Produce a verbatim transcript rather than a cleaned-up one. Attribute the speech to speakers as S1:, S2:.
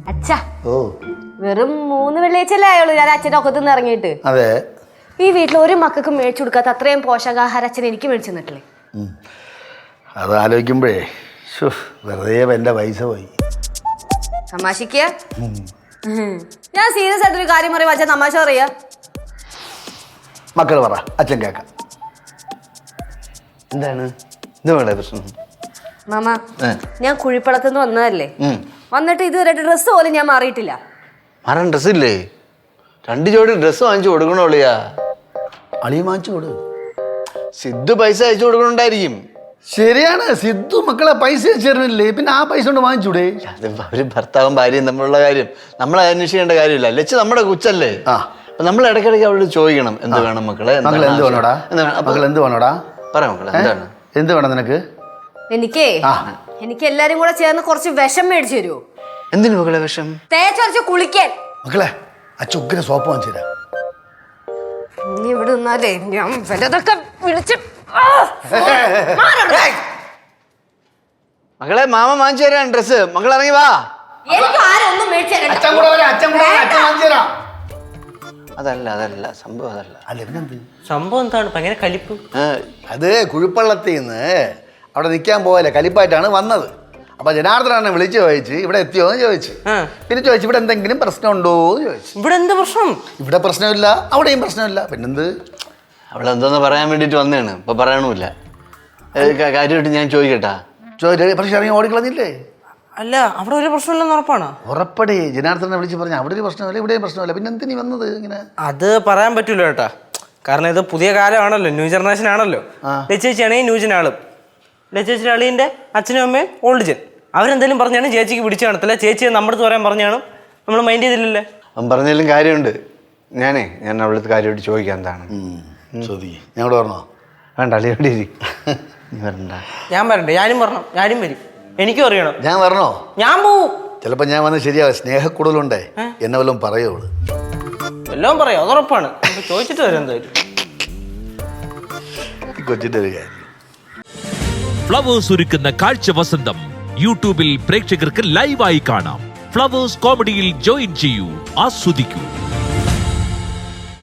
S1: അച്ഛാ ഓ വെറും മൂന്ന് വെള്ളിയാഴ്ചയല്ലേ ആയുള്ളൂ ഞാൻ അച്ഛൻ്റെ ഒക്കത്തു നിന്ന് ഇറങ്ങിയിട്ട്.
S2: അതെ,
S1: ഈ വീട്ടിൽ ഒരു മക്കൾക്ക് മേടിച്ചു കൊടുക്കാത്ത അത്രയും പോഷകാഹാരം അച്ഛൻ എനിക്ക് മേടിച്ചു തന്നിട്ടില്ലേ?
S2: അത് ആലോചിക്കുമ്പോഴേ വെറുതെ എൻ്റെ പൈസ പോയി.
S1: തമാശക്ക് ഞാൻ സീരിയസ് ആയിട്ടൊരു കാര്യം പറയുമ്പോ അച്ഛൻ തമാശ പറയാ.
S2: മക്കൾ പറ, അച്ഛൻ കേക്കാം.
S3: എന്താണ് എന്താണ് പ്രശ്നം?
S1: മാമ, ഞാൻ കുഴിപ്പളത്തുനിന്ന് വന്നതല്ലേ, വന്നിട്ട് ഇതുവരെ ഡ്രസ്സ് പോലും ഞാൻ മാറിയിട്ടില്ല.
S3: മാറാൻ ഡ്രസ്സില്ലേ? രണ്ട് ജോഡി ഡ്രസ്സ് വാങ്ങിച്ചു കൊടുക്കണോളിയാ.
S2: അളിയ വാങ്ങിച്ചു കൊടു.
S3: സിദ്ധു പൈസ അയച്ചു കൊടുക്കണുണ്ടായിരിക്കും.
S2: ശരിയാണ്, സിദ്ധു മക്കളെ പൈസ അയച്ചിരുന്നില്ലേ, പിന്നെ ആ പൈസ കൊണ്ട് വാങ്ങിച്ചൂടെ?
S3: അത് ഒരു ഭർത്താവും ഭാര്യയും തമ്മിലുള്ള കാര്യം നമ്മൾ അന്വേഷിക്കേണ്ട കാര്യമില്ല. ലച്ച് നമ്മുടെ കൊച്ചല്ലേ, അപ്പൊ നമ്മൾ ഇടയ്ക്കിടയ്ക്ക് അവളോട് ചോദിക്കണം എന്ത് വേണം മക്കളെ,
S2: മക്കൾ എന്ത് വേണോടാ, മക്കൾ എന്ത് വേണോടാ,
S3: പറ മക്കളെ എന്താണ്,
S2: എന്ത് വേണം നിനക്ക്?
S1: എനിക്കേ എനിക്ക് എല്ലാരും കൂടെ ചേർന്ന് കുറച്ച് വിഷം മേടിച്ചു തരുമോ?
S3: എന്തിനു മക്കളെ വിഷം?
S1: തേച്ചൊരച്ച് കുളിക്കാൻ.
S2: മക്കളെ അച്ഛൻ ഉഗ്ര സോപ്പ് വാങ്ങിച്ചു തരാം.
S1: നീ ഇവിടെ നിന്നാലേ ഞാൻ വലതൊക്കെ വിളിച്ച്
S3: മക്കളെ മാമ വാങ്ങിച്ചു തരാൻ ഡ്രസ്. മക്കൾ ഇറങ്ങി വാ. അതല്ല അതല്ല സംഭവം, അതല്ല
S4: സംഭവം എന്താണ് ഭയങ്കര കലിപ്പ്.
S2: അത് കുഴിപ്പള്ളത്തിൽ നിന്ന് അവിടെ നിൽക്കാൻ പോയല്ലേ, കലിപ്പായിട്ടാണ് വന്നത്. അപ്പൊ ജനാർദ്ദനെ വിളിച്ച് ചോദിച്ച് ഇവിടെ എത്തിയോ എന്ന് ചോദിച്ചു. പിന്നെ ചോദിച്ചു ഇവിടെ എന്തെങ്കിലും പ്രശ്നമുണ്ടോ എന്ന് ചോദിച്ചു.
S4: ഇവിടെ എന്ത് പ്രശ്നം?
S2: ഇവിടെ പ്രശ്നമില്ല, അവിടെയും പ്രശ്നമില്ല. പിന്നെന്ത്?
S3: അവളെന്തോന്ന് പറയാൻ വേണ്ടിട്ട് വന്നതാണ്, ഇപ്പൊ പറയണമില്ല. കാര്യമായിട്ട് ഞാൻ ചോദിക്കട്ടാ?
S2: ചോദിച്ചു പക്ഷെ ഇറങ്ങി ഓടിക്കളഞ്ഞില്ലേ?
S4: അല്ല, അവിടെ ഒരു പ്രശ്നമില്ലെന്ന് ഉറപ്പാണ്.
S2: ഉറപ്പടി. ജനാർദ്ദനെ വിളിച്ച് പറഞ്ഞു അവിടെ ഒരു പ്രശ്നമില്ല, ഇവിടെയും പ്രശ്നമില്ല. പിന്നെ എന്തിനീ വന്നത് ഇങ്ങനെ?
S4: അത് പറയാൻ പറ്റൂല കേട്ടാ, കാരണം ഇത് പുതിയ കാലമാണല്ലോ, ന്യൂ ജനറേഷൻ ആണല്ലോ. ലച്ചേച്ചിയാണെങ്കിൽ ന്യൂ ജൻ ആളും, ലച്ചേച്ചിയുടെ അളിയൻ്റെ അച്ഛനും അമ്മയും ഓൾഡ് ജൻ. അവരെന്തെങ്കിലും പറഞ്ഞാണ് ചേച്ചിക്ക് പിടിച്ചു കാണത്തില്ല. ചേച്ചിയെ നമ്മുടെ അടുത്ത് പറയാൻ പറഞ്ഞാണ് നമ്മൾ മൈൻഡ് ചെയ്തില്ലല്ലേ.
S3: അവൻ പറഞ്ഞാലും കാര്യമുണ്ട്. ഞാനേ ഞാൻ അവളടുത്ത് കാര്യമായിട്ട് ചോദിക്കാം എന്താണ്.
S2: ഞങ്ങളോട് പറഞ്ഞോ?
S3: വേണ്ട, അളിയോടെ ഇരി. നീ വരണ്ട.
S4: ഞാൻ വരണ്ടേ? ഞാനും വരണം, ഞാനും വരും. എനിക്കും അറിയണം.
S2: ഞാൻ വരണോ?
S4: ഞാൻ പോവും.
S2: ചിലപ്പോ ഞാൻ വന്ന് ശരിയാവും. സ്നേഹക്കൂടുതലുണ്ടേ, എന്നെ വല്ലതും പറയുള്ളൂ.
S4: എല്ലാം പറയാം, അതുറപ്പാണ്. ചോദിച്ചിട്ട് വരും എന്തായാലും.
S2: കൊച്ചിന്റെ ഒരു കാര്യം.
S5: ഫ്ലവേഴ്സ് ഒരുക്കുന്ന കാഴ്ച വസന്തം യൂട്യൂബിൽ പ്രേക്ഷകർക്ക് ലൈവായി കാണാം. ഫ്ലവേഴ്സ് കോമഡിയിൽ ജോയിൻ ചെയ്യൂ, ആസ്വദിക്കൂ.